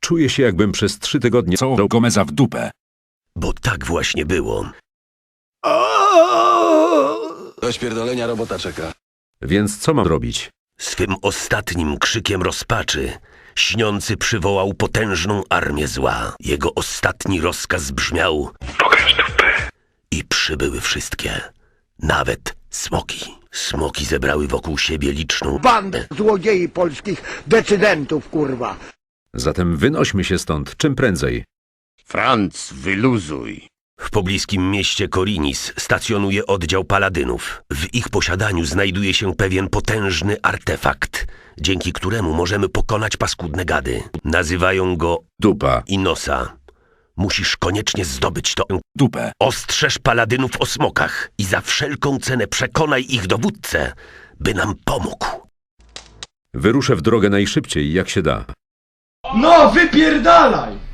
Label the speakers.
Speaker 1: Czuję się, jakbym przez 3 tygodnie
Speaker 2: Co Gomeza w dupę.
Speaker 3: Bo tak właśnie było.
Speaker 4: Do śpierdolenia robota czeka.
Speaker 1: Więc co mam robić?
Speaker 3: Swym ostatnim krzykiem rozpaczy śniący przywołał potężną armię zła. Jego ostatni rozkaz brzmiał: pokaż dupę. I przybyły wszystkie, nawet smoki. Smoki zebrały wokół siebie liczną
Speaker 5: Bandę złodziei polskich decydentów, kurwa.
Speaker 1: Zatem wynośmy się stąd, czym prędzej.
Speaker 6: Franc, wyluzuj.
Speaker 3: W pobliskim mieście Korinis stacjonuje oddział paladynów. W ich posiadaniu znajduje się pewien potężny artefakt, dzięki któremu możemy pokonać paskudne gady. Nazywają go
Speaker 1: Dupa.
Speaker 3: Inosa. Musisz koniecznie zdobyć to
Speaker 2: Dupę.
Speaker 3: Ostrzeż paladynów o smokach i za wszelką cenę przekonaj ich dowódcę, by nam pomógł.
Speaker 1: Wyruszę w drogę najszybciej, jak się da.
Speaker 7: No, wypierdalaj!